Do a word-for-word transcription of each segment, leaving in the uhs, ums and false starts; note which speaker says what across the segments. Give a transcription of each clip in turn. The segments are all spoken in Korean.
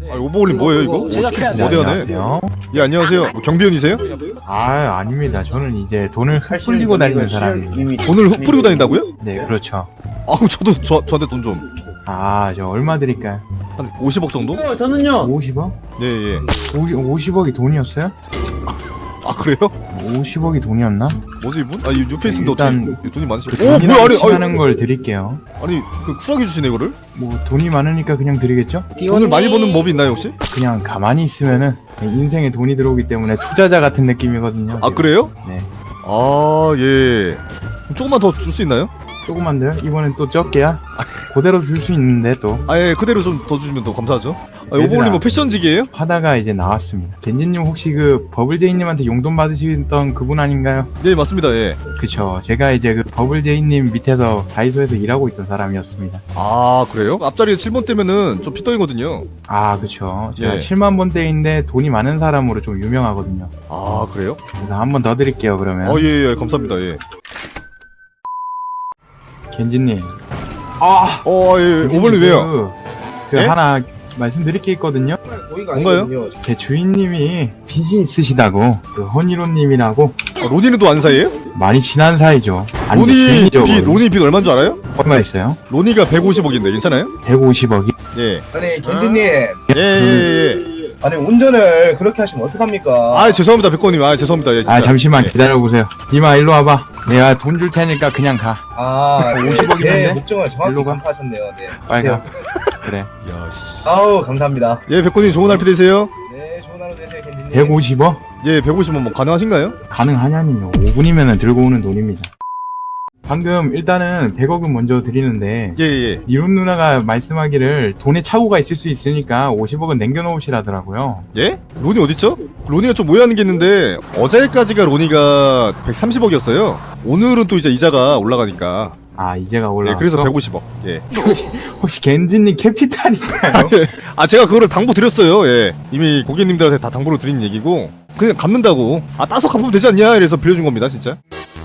Speaker 1: 아, 오버올림 뭐예요 이거?
Speaker 2: 제작해야죠.
Speaker 1: 어디 가네?
Speaker 3: 안녕하세요.
Speaker 1: 예 안녕하세요. 뭐 경비원이세요?
Speaker 3: 아, 아닙니다. 저는 이제 돈을 흩뿌리고 다니는 사람입니다.
Speaker 1: 돈을 흙 뿌리고 다닌다고요?
Speaker 3: 네, 그렇죠.
Speaker 1: 아 그럼 저도 저, 저한테 돈 좀.
Speaker 3: 아, 저 얼마 드릴까요?
Speaker 1: 한 오십억 정도?
Speaker 2: 어, 저는요.
Speaker 3: 오십억?
Speaker 1: 예 예.
Speaker 3: 오십억이 돈이었어요?
Speaker 1: 아 그래요?
Speaker 3: 오십억이 돈이었나?
Speaker 1: 뭐지 이분? 아 이 뉴페이스인데
Speaker 3: 일단
Speaker 1: 어떻게 돈이 많으시죠?
Speaker 3: 그
Speaker 1: 오 뭐야
Speaker 3: 돈이랑
Speaker 1: 아니
Speaker 3: 하는
Speaker 1: 아니,
Speaker 3: 걸 드릴게요.
Speaker 1: 아니 그 쿨하게 주시네 이거를?
Speaker 3: 뭐 돈이 많으니까 그냥 드리겠죠?
Speaker 1: 돈을 많이 버는 법이 있나요 혹시?
Speaker 3: 그냥 가만히 있으면은 인생에 돈이 들어오기 때문에 투자자 같은 느낌이거든요.
Speaker 1: 아 그래요?
Speaker 3: 네.
Speaker 1: 아 예. 그럼 조금만 더 줄 수 있나요?
Speaker 3: 조금만 더요? 이번엔 또 적게야? 그대로 줄 수 있는데 또
Speaker 1: 아예 그대로 좀 더 주시면 더 감사하죠. 아,
Speaker 3: 얘들아.
Speaker 1: 오버올림 뭐 패션직이에요?
Speaker 3: 하다가 이제 나왔습니다. 겐지님 혹시 그 버블제이님한테 용돈 받으시던 그분 아닌가요?
Speaker 1: 네 맞습니다. 예.
Speaker 3: 그쵸. 제가 이제 그 버블제이님 밑에서 다이소에서 일하고 있던 사람이었습니다.
Speaker 1: 아 그래요? 앞자리에 칠 번 때면은 좀 피덩이거든요.
Speaker 3: 아, 그쵸. 제가
Speaker 1: 예.
Speaker 3: 칠만 번대인데 돈이 많은 사람으로 좀 유명하거든요.
Speaker 1: 아 그래요?
Speaker 3: 그래서 한 번 더 드릴게요, 그러면.
Speaker 1: 어 예 예 감사합니다. 예.
Speaker 3: 겐지님.
Speaker 1: 아, 어, 예, 예. 오버올림 왜요?
Speaker 3: 그, 그
Speaker 1: 예?
Speaker 3: 하나 말씀드릴 게 있거든요.
Speaker 1: 뭔가요?
Speaker 3: 제 주인님이 빚이 있으시다고. 그 허니로님이라고
Speaker 1: 아, 로니는 또 안 사이에요?
Speaker 3: 많이 친한 사이죠. 아니,
Speaker 1: 로니
Speaker 3: 주인이죠,
Speaker 1: 빚,
Speaker 3: 그거는.
Speaker 1: 로니 빚 얼마인 줄 알아요?
Speaker 3: 얼마 있어요?
Speaker 1: 로니가 백오십억인데 괜찮아요?
Speaker 3: 백오십억이?
Speaker 1: 예.
Speaker 4: 아니 겐지님,
Speaker 1: 예, 예, 예.
Speaker 4: 아니 운전을 그렇게 하시면 어떡합니까?
Speaker 1: 아, 죄송합니다, 백호님. 아, 죄송합니다. 예, 진짜.
Speaker 3: 아, 잠시만
Speaker 1: 예.
Speaker 3: 기다려보세요. 니마 일로 와봐. 내가 돈 줄 테니까 그냥 가.
Speaker 4: 아,
Speaker 3: 오십억인데?
Speaker 4: 제 목적을 정확히
Speaker 3: 일로 가.
Speaker 4: 간파하셨네요. 네.
Speaker 3: 빨리 가. 그래.
Speaker 1: 야, 씨.
Speaker 4: 아우 감사합니다.
Speaker 1: 예, 백호님 좋은 하루 되세요.
Speaker 4: 네, 좋은 하루 되세요, 겐지님.
Speaker 3: 백오십억?
Speaker 1: 예, 백오십억 뭐 가능하신가요?
Speaker 3: 가능하냐니요. 오 분이면 들고 오는 돈입니다. 방금 일단은 백억은 먼저 드리는데
Speaker 1: 예, 예.
Speaker 3: 니론 누나가 말씀하기를 돈에 착오가 있을 수 있으니까 오십억은 남겨놓으시라더라고요.
Speaker 1: 예? 로니 어딨죠? 로니가 좀 오해하는 게 있는데 어제까지가 로니가 백삼십억이었어요. 오늘은 또 이제 이자가 올라가니까.
Speaker 3: 아, 이제가
Speaker 1: 예,
Speaker 3: 올라왔어?
Speaker 1: 그래서 백오십억. 예.
Speaker 3: 혹시 겐지님 캐피탈인가요?
Speaker 1: 아, 제가 그거를 당부 드렸어요. 예. 이미 고객님들한테 다 당부를 드린 얘기고 그냥 갚는다고. 아, 따서 갚으면 되지 않냐? 이래서 빌려준 겁니다, 진짜.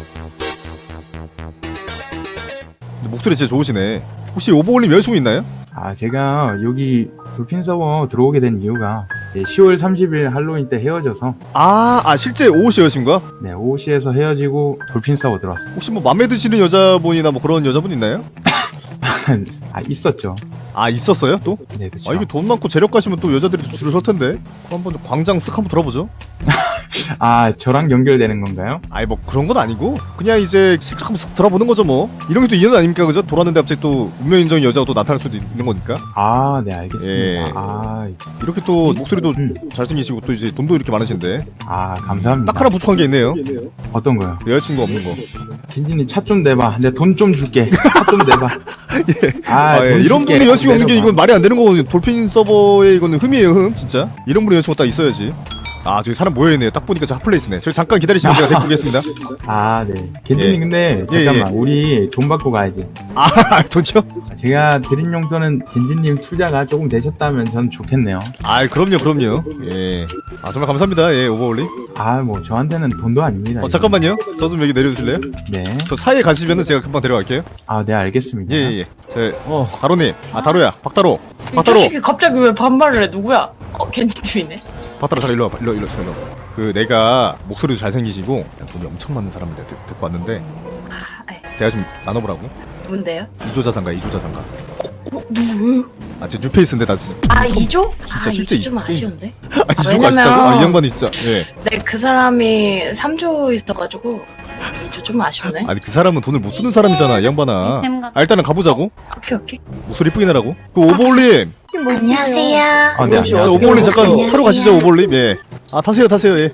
Speaker 1: 목소리 진짜 좋으시네. 혹시 오버올림 여자친구 있나요?
Speaker 3: 아, 제가 여기 돌핀 서버 들어오게 된 이유가 이제 시월 삼십일 할로윈 때 헤어져서
Speaker 1: 아, 아 실제 오호씨 여자친구가?
Speaker 3: 네, 오씨에서 헤어지고 돌핀 서버 들어왔어요.
Speaker 1: 혹시 뭐 맘에 드시는 여자분이나 뭐 그런 여자분 있나요?
Speaker 3: 아, 있었죠.
Speaker 1: 아 있었어요 또?
Speaker 3: 네, 그쵸.
Speaker 1: 아 이게 돈 많고 재력 가시면 또 여자들이 또 줄을 설 텐데. 그럼 한번 좀 광장 쓱 한번 돌아보죠.
Speaker 3: 아, 저랑 연결되는 건가요?
Speaker 1: 아이 뭐 그런 건 아니고 그냥 이제 슬쩍 한번 쓱 돌아보는 거죠 뭐. 이런 게 또 인연 아닙니까 그죠? 돌았는데 갑자기 또 운명 인정의 여자가 또 나타날 수도 있는 거니까.
Speaker 3: 아, 네, 알겠습니다.
Speaker 1: 예.
Speaker 3: 아,
Speaker 1: 이렇게 또 목소리도
Speaker 3: 음.
Speaker 1: 잘생기시고 또 이제 돈도 이렇게 많으신데
Speaker 3: 아, 감사합니다.
Speaker 1: 딱 하나 부족한 게 있네요.
Speaker 3: 어떤 거요?
Speaker 1: 여자친구 없는 거.
Speaker 3: 딘딘이 차 좀 내봐. 내 돈 좀 줄게. 차 좀 내봐.
Speaker 1: 예.
Speaker 3: 아,
Speaker 1: 아, 예.
Speaker 3: 돈
Speaker 1: 이런
Speaker 3: 줄게.
Speaker 1: 분이 여자친구 없는 게
Speaker 3: 내려봐.
Speaker 1: 이건 말이 안 되는 거거든요. 돌핀 서버에 이거는 흠이에요 흠 진짜. 이런 분이 여자친구 딱 있어야지. 아 저기 사람 모여있네요. 딱 보니까 저 핫플레이스네. 저기 잠깐 기다리시면 제가 데리고 오겠습니다.
Speaker 3: 아, 네. 겐진이
Speaker 1: 예.
Speaker 3: 근데
Speaker 1: 예,
Speaker 3: 잠깐만. 우리 돈 받고 가야지.
Speaker 1: 아 돈이요?
Speaker 3: 제가 드린 용돈은 겐진님 투자가 조금 되셨다면 전 좋겠네요.
Speaker 1: 아 그럼요 그럼요. 예. 아 정말 감사합니다. 예 오버올리.
Speaker 3: 아, 뭐 저한테는 돈도 아닙니다.
Speaker 1: 어
Speaker 3: 이거.
Speaker 1: 잠깐만요. 저 좀 여기 내려주실래요?
Speaker 3: 네.
Speaker 1: 저 차에 가시면은 제가 금방 데려갈게요.
Speaker 3: 아, 네, 알겠습니다.
Speaker 1: 예예예. 제
Speaker 3: 어,
Speaker 1: 다로님. 아 다로야. 박다로.
Speaker 5: 이
Speaker 1: 박다로.
Speaker 5: 자식이 갑자기 왜 반말을 해? 누구야? 어, 겐지님이네.
Speaker 1: 박다로 잘 일로 와봐. 일로 일로 잘 일로 와봐. 그 내가 목소리도 잘생기시고 돈이 엄청 많은 사람인데 데- 데리고 왔는데
Speaker 5: 아, 에,
Speaker 1: 대화 좀 나눠보라고.
Speaker 5: 누군데요?
Speaker 1: 이조자상가 이조자상가.
Speaker 5: 어, 누구예요?
Speaker 1: 아 제 뉴페이스인데 나 진짜.
Speaker 5: 아, 이조?
Speaker 1: 진짜
Speaker 5: 아,
Speaker 1: 실제
Speaker 5: 이조 좀
Speaker 1: 이-
Speaker 5: 아쉬운데?
Speaker 1: 아 이조가
Speaker 5: 왜냐면-
Speaker 1: 아쉽다고? 아이 양반이 진짜. 예.
Speaker 5: 네, 그 사람이 삼조 있어가지고 이조 좀 아쉽네.
Speaker 1: 아니 그 사람은 돈을 못 주는 사람이잖아 이 양반아. 아 일단은 가보자고.
Speaker 5: 오케이, 오케이.
Speaker 1: 목소리 이쁘게 내라고. 그 오버올림.
Speaker 5: 안녕하세요.
Speaker 3: 아, 네,
Speaker 4: 혹시
Speaker 1: 자,
Speaker 3: 안녕하세요.
Speaker 1: 오버올림 잠깐
Speaker 5: 안녕하세요.
Speaker 1: 차로 가시죠 오버올림. 예. 아 타세요 타세요 예.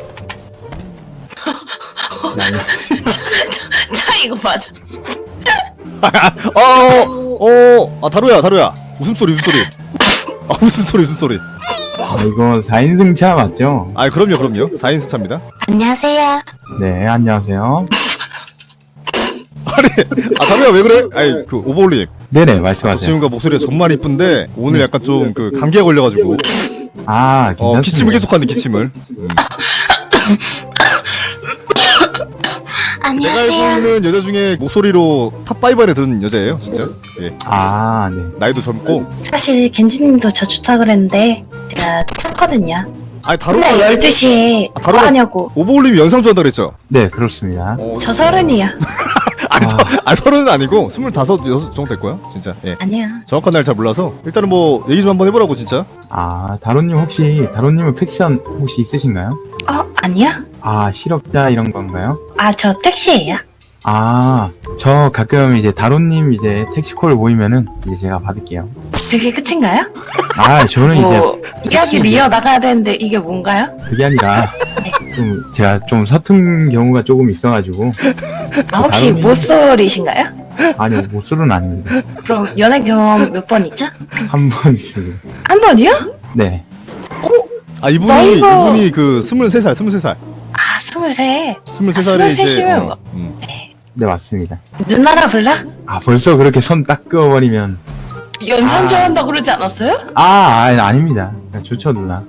Speaker 3: 네, 아니,
Speaker 5: 차 이거 맞아.
Speaker 1: 어어 아 다루야 다루야 웃음소리 웃음소리. 아 웃음소리 웃음소리.
Speaker 3: 아, 이거 사 인승차 맞죠?
Speaker 1: 아 그럼요 그럼요 사 인승 차입니다.
Speaker 5: 안녕하세요.
Speaker 3: 네, 안녕하세요.
Speaker 1: 아 다루야 왜 그래? 아이 그 오버올림.
Speaker 3: 네네,
Speaker 1: 저
Speaker 3: 말씀하세요.
Speaker 1: 친구가 목소리가 정말 이쁜데 오늘 약간 좀 그 감기가 걸려가지고
Speaker 3: 아, 괜찮습니다.
Speaker 1: 어 기침을 계속하는 기침을. 음. 내가 알고
Speaker 5: 안녕하세요.
Speaker 1: 있는 여자 중에 목소리로 탑오 안에 드는 여자예요 진짜. 예.
Speaker 3: 아, 네.
Speaker 1: 나이도 젊고.
Speaker 5: 사실 겐지님도 저 좋다 그랬는데 제가 찾거든요.
Speaker 1: 아니 다루가
Speaker 5: 근데 열두 시에
Speaker 1: 아,
Speaker 5: 뭐
Speaker 1: 다루가-
Speaker 5: 하냐고.
Speaker 1: 오버올림이 연상 좋아한다 그랬죠?
Speaker 3: 네, 그렇습니다.
Speaker 1: 어,
Speaker 5: 저 서른이야.
Speaker 1: 아니, 서, 아니 서른은 아니고 스물다섯 여섯 정도 될 거야 진짜. 예.
Speaker 5: 아니야.
Speaker 1: 정확한 날 잘 몰라서 일단은 뭐 얘기 좀 한번 해보라고 진짜.
Speaker 3: 아, 다론님 혹시, 다론님은 팩션 혹시 있으신가요?
Speaker 5: 어 아니야?
Speaker 3: 아, 실업자 이런 건가요?
Speaker 5: 아 저 택시예요.
Speaker 3: 아, 저 가끔 이제 다론님 이제 택시콜 모이면은 이제 제가 받을게요.
Speaker 5: 그게 끝인가요?
Speaker 3: 아, 저는 이제
Speaker 5: 뭐 이야기를 이어 나가야 되는데 이게 뭔가요?
Speaker 3: 그게 아니라 좀 제가 좀 서툰 경우가 조금 있어가지고
Speaker 5: 아 혹시
Speaker 3: 다른-
Speaker 5: 모쏠이신가요?
Speaker 3: 아니요 모쏠은 아닙니다.
Speaker 5: 그럼 연애 경험 몇 번 있죠?
Speaker 3: 한 번 있습니다.
Speaker 5: 한 번이요?
Speaker 3: 네.
Speaker 1: 아 이분이
Speaker 5: 나이가-
Speaker 1: 이분이 그 스물세 살 스물세 살
Speaker 5: 아 스물세.
Speaker 1: 스물세
Speaker 5: 아,
Speaker 1: 살에 이제
Speaker 5: 스물셋이면
Speaker 1: 어, 음.
Speaker 3: 네 맞습니다.
Speaker 5: 누나라 불러?
Speaker 3: 아 벌써 그렇게 손 딱 그어버리면
Speaker 5: 연상
Speaker 3: 아.
Speaker 5: 좋아한다 그러지 않았어요?
Speaker 3: 아, 아 아닙니다. 좋죠 누나.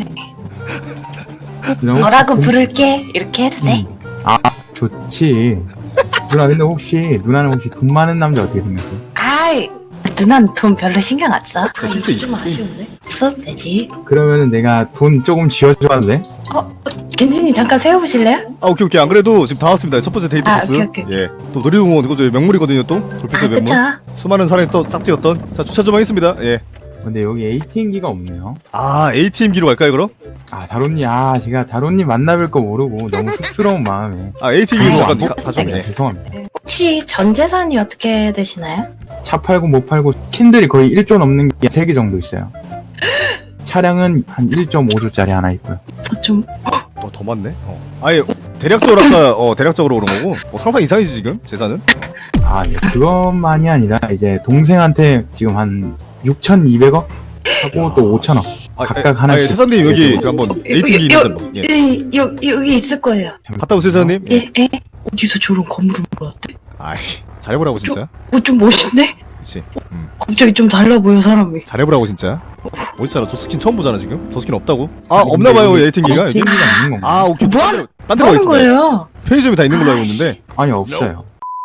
Speaker 3: 누나
Speaker 5: 너라고
Speaker 3: 혹시 돈-
Speaker 5: 부를게 이렇게 해도 돼?
Speaker 3: 음. 아 좋지. 누나 근데 혹시 누나는 혹시 돈 많은 남자 어떻게 생각해?
Speaker 5: 아이 누나는 돈 별로 신경 안 써.
Speaker 1: 저 진짜 이-
Speaker 5: 좀 아쉬운데? 없어도 되지.
Speaker 3: 그러면은 내가 돈 조금 쥐어줘도 돼?
Speaker 5: 어? 겐지님 잠깐 세워보실래요?
Speaker 1: 아 오케이 오케이 안 그래도 지금 다 왔습니다. 첫 번째 데이트
Speaker 5: 아,
Speaker 1: 코스.
Speaker 5: 오케이, 오케이, 오케이.
Speaker 1: 예. 또 놀이동원 이거 저 명물이거든요 또.
Speaker 5: 아
Speaker 1: 돌피스의 명물.
Speaker 5: 그쵸.
Speaker 1: 수많은 사람이 또 싹 튀었던. 자 주차 좀 하겠습니다. 예.
Speaker 3: 근데 여기 에이티엠기가 없네요.
Speaker 1: 아 에이티엠기로 갈까요 그럼?
Speaker 3: 아 다론님 아 제가 다론님 만나뵐 거 모르고 너무 쑥스러운 마음에
Speaker 1: 아 에이티엠기로
Speaker 5: 아이,
Speaker 1: 잠깐
Speaker 3: 뭐,
Speaker 1: 가- 사죠.
Speaker 3: 네,
Speaker 1: 예.
Speaker 3: 죄송합니다.
Speaker 5: 혹시 전 재산이 어떻게 되시나요?
Speaker 3: 차 팔고 못 팔고 킨들이 거의 일 조 넘는 게 세 개 정도 있어요. 차량은 한 일 점 오 조짜리 하나 있고요.
Speaker 5: 저 좀
Speaker 1: 더, 더 많네. 어. 아예 대략적으로 아까 어 대략적으로 그런 거고. 어, 상상 이상이지 지금 재산은.
Speaker 3: 아 예, 그것만이 아니라 이제 동생한테 지금 한 육천이백억 하고 또 오천억
Speaker 1: 아,
Speaker 3: 각각
Speaker 1: 예,
Speaker 3: 하나씩.
Speaker 1: 아, 예, 세사님 여기
Speaker 3: 예,
Speaker 1: 그 한번
Speaker 5: 여-
Speaker 1: 에이티엠기
Speaker 5: 여-
Speaker 1: 있는 분. 예.
Speaker 5: 예, 여, 여기 있을 거예요.
Speaker 1: 갔다 오세요 세사님. 예.
Speaker 5: 예, 예. 어디서 저런 건물을 몰았대?
Speaker 1: 아이 잘해보라고 진짜.
Speaker 5: 어, 좀 멋있네?
Speaker 1: 그렇지. 음.
Speaker 5: 갑자기 좀 달라 보여, 사람이.
Speaker 1: 잘해보라고 진짜. 어딨잖아. 저 스킨 처음 보잖아 지금. 저 스킨 없다고? 아
Speaker 3: 근데
Speaker 1: 없나봐요
Speaker 3: 여기
Speaker 1: 에이티엠기가 여기.
Speaker 3: 에이티엠기가 있는 건가요?
Speaker 1: 아 오케이.
Speaker 5: 뭐
Speaker 1: 딴
Speaker 5: 하는-
Speaker 1: 데로 딴
Speaker 5: 뭐
Speaker 1: 데로
Speaker 5: 하는
Speaker 1: 가겠습니다.
Speaker 5: 거예요?
Speaker 1: 편의점이 다 있는 걸로 알고
Speaker 5: 아이씨.
Speaker 1: 있는데
Speaker 3: 아니 없어요.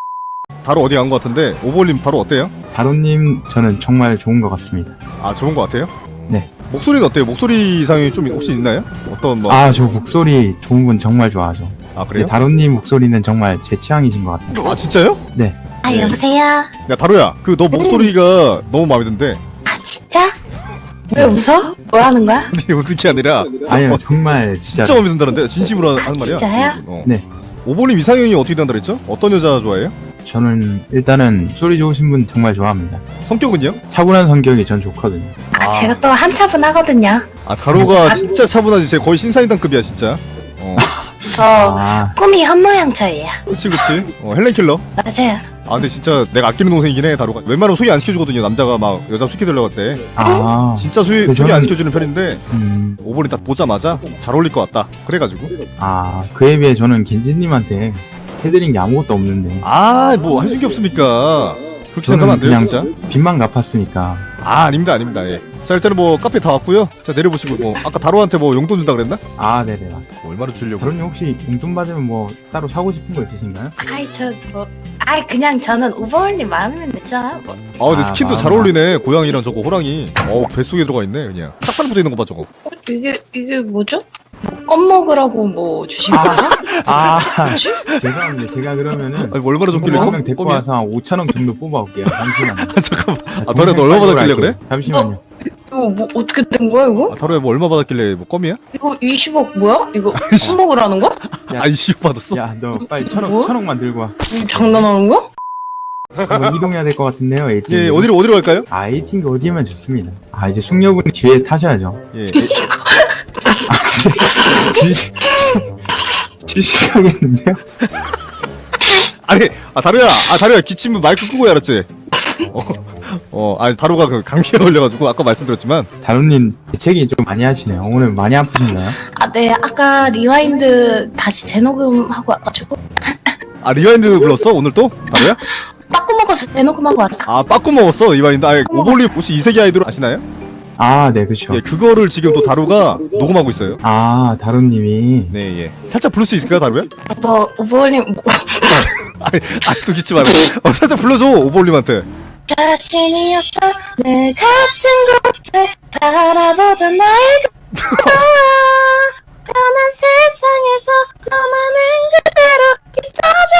Speaker 1: 다로 어디 간 것 같은데 오버올림 다로 어때요?
Speaker 3: 다론님 저는 정말 좋은 것 같습니다.
Speaker 1: 아 좋은 것 같아요?
Speaker 3: 네.
Speaker 1: 목소리는 어때요? 목소리 이상이 좀 혹시 있나요? 어떤 뭐?
Speaker 3: 아 저 목소리 좋은 분 정말 좋아하죠.
Speaker 1: 아
Speaker 3: 근데
Speaker 1: 그래요?
Speaker 3: 다론님 목소리는 정말 제 취향이신 것 같아요.
Speaker 1: 아 진짜요?
Speaker 3: 네.
Speaker 5: 아,
Speaker 1: 네.
Speaker 5: 여보세요?
Speaker 1: 야 다로야 그 너 목소리가 너무 마음에 든대.
Speaker 5: 아, 진짜? 왜 웃어? 뭐 하는 거야?
Speaker 1: 근데 어떻게 아니라
Speaker 3: 아니요
Speaker 1: 어,
Speaker 3: 정말 진짜.
Speaker 1: 진짜 마음에 든다는데 진심으로 하는 말이야.
Speaker 5: 진짜요?
Speaker 1: 어.
Speaker 3: 네.
Speaker 1: 오버올림 이상형이 어떻게 된다 그랬죠? 어떤 여자 좋아해요?
Speaker 3: 저는 일단은 소리 좋으신 분 정말 좋아합니다.
Speaker 1: 성격은요?
Speaker 3: 차분한 성격이 전 좋거든요.
Speaker 5: 아,
Speaker 1: 아.
Speaker 5: 제가 또 한차분하거든요.
Speaker 1: 아 다로가 진짜 차분하지. 쟤 거의 신사임당급이야 진짜. 어.
Speaker 5: 저
Speaker 3: 아,
Speaker 5: 꿈이 현모양처예요.
Speaker 1: 그치 그치. 어 헬렌킬러.
Speaker 5: 맞아요.
Speaker 1: 아 근데 진짜 내가 아끼는 동생이긴 해 다로가. 웬만하면 소개 안 시켜주거든요. 남자가 막 여자 소개되려고 할 때.
Speaker 3: 아,
Speaker 1: 진짜 소개,
Speaker 3: 근데
Speaker 1: 소개 안
Speaker 3: 저는-
Speaker 1: 시켜주는 편인데
Speaker 3: 음,
Speaker 1: 오버올림 딱 보자마자 잘 어울릴 것 같다. 그래가지고.
Speaker 3: 아, 그에 비해 저는 겐지님한테 해드린 게 아무것도 없는데.
Speaker 1: 아 뭐 해준 게 없습니까? 그렇게 생각하면 안 돼요
Speaker 3: 그냥
Speaker 1: 진짜.
Speaker 3: 빚만 갚았으니까.
Speaker 1: 아 아닙니다 아닙니다. 예. 자 일단은 뭐 카페 다 왔고요. 자 내려보시고 뭐 아까 다로한테 뭐 용돈 준다 그랬나?
Speaker 3: 아, 네네, 맞습니다.
Speaker 1: 뭐 얼마나 주려고?
Speaker 3: 그럼요, 혹시 용돈 받으면 뭐 따로 사고 싶은 거 있으신가요?
Speaker 5: 아이, 저 뭐. 아이, 그냥 저는 오버올림 마음이면 됐잖아. 뭐.
Speaker 1: 아 근데
Speaker 3: 아,
Speaker 1: 스킨도 잘
Speaker 3: 마음아.
Speaker 1: 어울리네. 고양이랑 저거 호랑이. 어 뱃속에 들어가 있네 그냥. 짝다리 붙어 있는 거 봐 저거.
Speaker 5: 어, 이게, 이게 뭐죠? 뭐, 껌 먹으라고 뭐 주신 거야?
Speaker 3: 아, 죄송합니다. 제가 그러면은
Speaker 1: 아니 뭐 얼마나 줬길래
Speaker 3: 한명 데리고
Speaker 1: 껌이야?
Speaker 3: 와서 한 오천원 정도 뽑아올게요. 잠시만요.
Speaker 1: 잠깐만. 아 다로야 너 얼마 받았길래 그래?
Speaker 3: 잠시만요.
Speaker 5: 이거 뭐 어떻게 된 거야, 이거?
Speaker 1: 아 다로야 뭐 얼마 받았길래 뭐 껌이야?
Speaker 5: 이거 이십억 뭐야? 이거 껌 먹으라는 거야?
Speaker 3: 야.
Speaker 1: 아 이십 받았어?
Speaker 3: 야, 너 빨리 천억,
Speaker 5: 뭐?
Speaker 3: 천억만 들고 와.
Speaker 5: 이거 장난하는 거야?
Speaker 3: 뭐 이동해야 될 것 같은데요, 에이티엠.
Speaker 1: 예 어디로 어디로 갈까요?
Speaker 3: 아, 에이티엠 어디면 좋습니다. 아, 이제 숙녀분 뒤에 타셔야죠.
Speaker 1: 예.
Speaker 3: 주식, 주식하겠는데요?
Speaker 1: 아니 아 다로야 아 다로야 기침은 마이크 끄고 해 알았지? 어, 어 아니 다로가 그 감기에 걸려가지고 아까 말씀드렸지만
Speaker 3: 다루님 재채기 좀 많이 하시네요. 오늘 많이 아프신가요?
Speaker 5: 아, 네. 아까 리와인드 다시 재녹음하고 와가지고
Speaker 1: 아 리와인드 불렀어 오늘 또 다로야?
Speaker 5: 빠꾸 먹어서 재녹음하고 왔어.
Speaker 1: 아 빠꾸 먹었어 이와인드. 아 오볼리 혹시 이세계 아이돌 아시나요?
Speaker 3: 아, 네, 그쵸.
Speaker 1: 예, 그거를 지금 또 다루가 녹음하고 있어요.
Speaker 3: 아, 다루님이.
Speaker 1: 네, 예. 살짝 부를 수 있을까요, 다루야?
Speaker 5: 뭐 오버올림 뭐,
Speaker 1: 아니, 아니 또 기침 말고. 어, 살짝 불러줘, 오버올림한테.
Speaker 5: 자신이 없어 내 같은 곳을 바라보던 나의 좋아 편한 세상에서 너만은 그대로 있어줘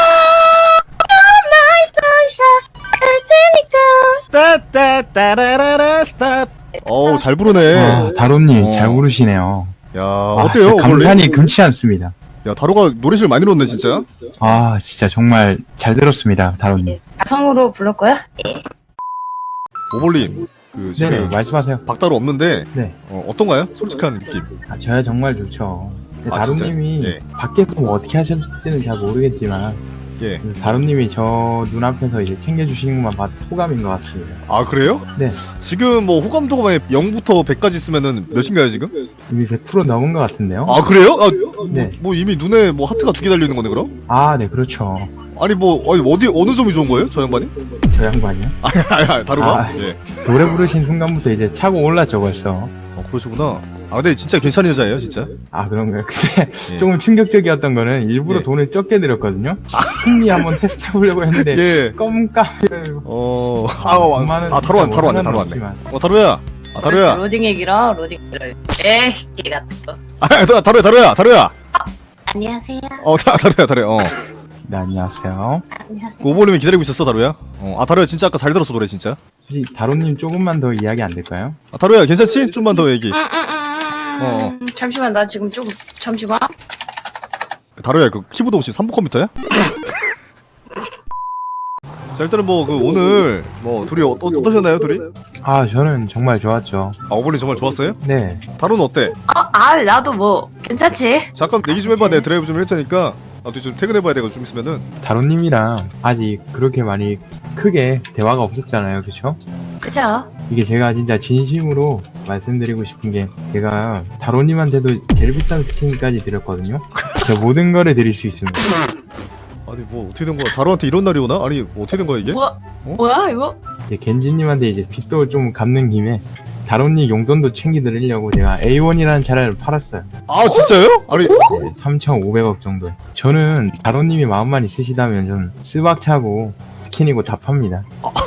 Speaker 5: You're my sunshine 할 테니까
Speaker 1: 따따따라라라 스탑. 어우, 잘 부르네.
Speaker 3: 아, 다루님
Speaker 1: 어.
Speaker 3: 잘 부르시네요.
Speaker 1: 야,
Speaker 3: 아,
Speaker 1: 어때요,
Speaker 3: 진짜
Speaker 1: 오버올림?
Speaker 3: 감탄이 금치 않습니다.
Speaker 1: 야, 다루가 노래실 많이 넣었네, 진짜.
Speaker 3: 아, 진짜 정말 잘 들었습니다, 다루님.
Speaker 5: 가성으로 부를 거야?
Speaker 1: 오버올림, 그,
Speaker 3: 네,
Speaker 1: 지금
Speaker 3: 말씀하세요.
Speaker 1: 박다루 없는데,
Speaker 3: 네.
Speaker 1: 어, 어떤가요? 솔직한 느낌.
Speaker 3: 아, 저야 정말 좋죠. 근데
Speaker 1: 아,
Speaker 3: 다루님이
Speaker 1: 진짜요? 예.
Speaker 3: 밖에서 뭐 어떻게 하셨을지는 잘 모르겠지만,
Speaker 1: 예.
Speaker 3: 다루님이 저 눈앞에서 이제 챙겨주시는 것만 봐도 호감인 것 같습니다.
Speaker 1: 아, 그래요?
Speaker 3: 네.
Speaker 1: 지금 뭐 호감도가 만약 영부터 백까지 있으면은 몇인가요, 지금?
Speaker 3: 이미 백 퍼센트 넘은 것 같은데요?
Speaker 1: 아, 그래요? 아,
Speaker 3: 네.
Speaker 1: 뭐, 뭐 이미 눈에 뭐 하트가 두 개 달려있는 거네, 그럼?
Speaker 3: 아, 네, 그렇죠.
Speaker 1: 아니, 뭐, 어디, 어디, 어느 점이 좋은 거예요? 저 양반이?
Speaker 3: 저 양반이요?
Speaker 1: 아니, 아니, 아니, 다루가?
Speaker 3: 아.
Speaker 1: 예.
Speaker 3: 노래 부르신 순간부터 이제 차고 올랐죠, 벌써.
Speaker 1: 어, 그러시구나. 아, 근데 진짜 괜찮은 여자예요, 진짜.
Speaker 3: 아, 그런가요? 근데
Speaker 1: 예.
Speaker 3: 조금 충격적이었던 거는 일부러
Speaker 1: 예.
Speaker 3: 돈을 적게 들였거든요? 심리 한번 테스트 해보려고 했는데,
Speaker 1: 예.
Speaker 3: 껌값을.
Speaker 1: 어, 아, 아, 아, 다루 왔네, 다루 왔네, 다루 왔네. 어, 다루야. 아, 다루야.
Speaker 5: 로딩이 길어 로딩 길어 에이 개 같은 거
Speaker 1: 아, 다- 다루야, 다루야, 다루야.
Speaker 5: 안녕하세요
Speaker 1: 어, 다, 다루야, 다루야. 어.
Speaker 3: 네, 안녕하세요.
Speaker 5: 안녕하세요
Speaker 1: 그 오버님이 기다리고 있었어, 다루야. 어, 아, 다루야, 진짜 아까 잘 들었어, 노래, 진짜.
Speaker 3: 혹시 다로님 조금만 더 이야기 안 될까요?
Speaker 1: 아, 다루야, 괜찮지? 좀만 더 얘기.
Speaker 5: 음,
Speaker 1: 어.
Speaker 5: 음, 음. 잠시만 나 지금 조금 잠시만
Speaker 1: 다루야, 그 키보드 혹시 삼 부 컴퓨터야? 자, 일단은 뭐, 그, 오늘, 뭐, 둘이 어, 어떠셨나요, 둘이?
Speaker 3: 아, 저는 정말 좋았죠.
Speaker 1: 아, 오버님 정말 좋았어요?
Speaker 3: 네.
Speaker 1: 다루는 어때?
Speaker 5: 아, 아 나도 뭐 괜찮지
Speaker 1: 잠깐 얘기 좀 해봐. 내가 드라이브 좀 할 테니까. 나도 좀 퇴근해봐야 돼가지고 좀 있으면은.
Speaker 3: 다로님이랑 아직 그렇게 많이 크게 대화가 없었잖아요. 그쵸?
Speaker 5: 그죠
Speaker 3: 이게 제가 진짜 진심으로 말씀드리고 싶은 게 제가 다로님한테도 제일 비싼 스킨까지 드렸거든요. 저 모든 거를 드릴 수 있습니다.
Speaker 1: 아니, 뭐, 어떻게 된 거야? 다루한테 이런 날이 오나? 아니, 뭐 어떻게 된 거야, 이게?
Speaker 5: 뭐 뭐야 이거
Speaker 3: 이제 겐지님한테 이제 빚도 좀 갚는 김에 다로님 용돈도 챙기드리려고 제가 에이 원이라는 차를 팔았어요.
Speaker 1: 아, 진짜요? 아니,
Speaker 3: 네, 삼천오백억 정도. 저는 다로님이 마음만 있으시다면 좀 스박차고 스킨이고 다 팝니다.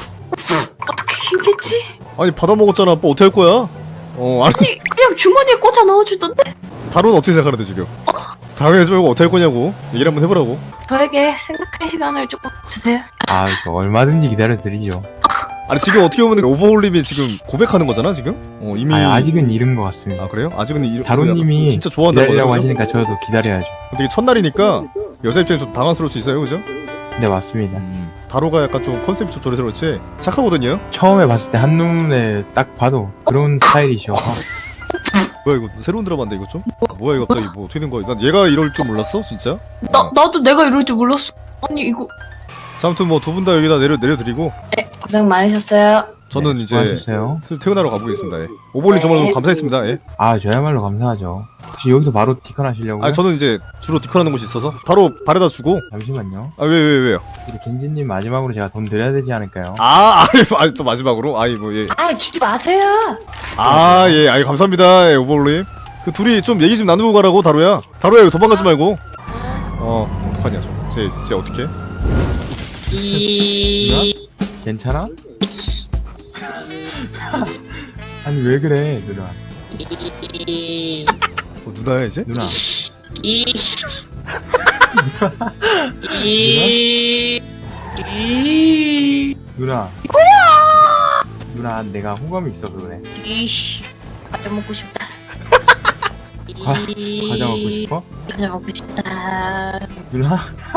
Speaker 5: 어떻게 힘겠지
Speaker 1: 아니, 받아먹었잖아. 뭐, 어떻게 할 거야? 어, 아니,
Speaker 5: 아니 그냥 주머니에 꽂아 넣어주던데
Speaker 1: 다루는 어떻게 생각하는데, 지금? 당연하지 말고 어떻게 할 거냐고. 얘기를 한번 해보라고.
Speaker 5: 저에게 생각할 시간을 조금 주세요
Speaker 3: 아, 저 얼마든지 기다려드리죠.
Speaker 1: 아니, 지금 어떻게 보면 오버홀림이 지금 고백하는 거잖아, 지금? 어, 이미.
Speaker 3: 아, 아직은 이른 것 같습니다.
Speaker 1: 아, 그래요? 아직은 이
Speaker 3: 다로님이
Speaker 1: 진짜 좋아한다는
Speaker 3: 기다리라고
Speaker 1: 거죠?
Speaker 3: 하시니까 저도 기다려야죠.
Speaker 1: 근데 이게 첫날이니까 여자 입장에서 좀 당황스러울 수 있어요, 그죠?
Speaker 3: 네, 맞습니다.
Speaker 1: 다로가 약간 좀 컨셉이 좀 저래서 그렇지 착하거든요?
Speaker 3: 처음에 봤을 때 한눈에 딱 봐도 그런 스타일이셔.
Speaker 1: 뭐야 이거 새로운 드라마인데 이거 좀? 뭐야 이거 갑자기 뭐 어떻게 된 거야? 난 얘가 이럴 줄 몰랐어 진짜?
Speaker 5: 나
Speaker 1: 어.
Speaker 5: 나도 내가 이럴 줄 몰랐어 아니 이거
Speaker 1: 자, 아무튼 뭐 두 분 다 여기다 내려, 내려드리고
Speaker 5: 네 고생 많으셨어요
Speaker 1: 저는
Speaker 3: 네,
Speaker 1: 이제
Speaker 3: 수고하셨어요.
Speaker 1: 슬 퇴근하러 가보겠습니다. 예. 오버올림 정말 너무 감사했습니다. 예.
Speaker 3: 아, 저야말로 감사하죠. 혹시 여기서 바로 티컨 하시려고요?
Speaker 1: 아니 저는 이제 주로 디컨하는 곳이 있어서 바로 바래다 주고
Speaker 3: 잠시만요.
Speaker 1: 아 왜 왜 왜, 요
Speaker 3: 우리 겐지님 마지막으로 제가 돈 드려야 되지 않을까요?
Speaker 1: 아, 아니, 아니 또 마지막으로 아이 뭐 예.
Speaker 5: 아 주지 마세요
Speaker 1: 아 예, 아이 감사합니다. 예, 오버올림. 그 둘이 좀 얘기 좀 나누고 가라고 다루야. 다루야 이거 도망가지 말고. 어 어떡하냐 저. 쟤, 쟤 어떡해?
Speaker 5: 이
Speaker 3: 괜찮아? 아니 왜 그래 누나?
Speaker 5: 이
Speaker 1: 어, 누나야 이제?
Speaker 3: 누나
Speaker 5: 이 이 이
Speaker 3: 누나 누나 내가 호감이 있어서 그래.
Speaker 5: 이씨 과자 먹고 싶다
Speaker 3: 과-
Speaker 5: 이-
Speaker 3: 과자 먹고 싶어?
Speaker 5: 과자 먹고 싶다
Speaker 3: 누나?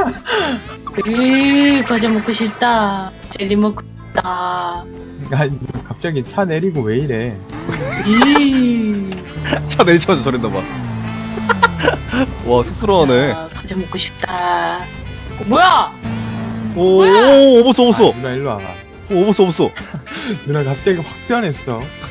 Speaker 5: 으 과자 먹고 싶다 젤리 먹고 싶다
Speaker 3: 아니 갑자기 차 내리고 왜 이래?
Speaker 5: 이
Speaker 1: 차 내리자마자 저랬나 봐. 와 쑥스러워하네.
Speaker 5: 자, 과자 먹고 싶다 어, 뭐야
Speaker 1: 오, 오, 오버스 오버스.
Speaker 3: 아, 누나 일로 와봐.
Speaker 1: 오, 오버스 오버스.
Speaker 3: 누나 갑자기 확 변했어.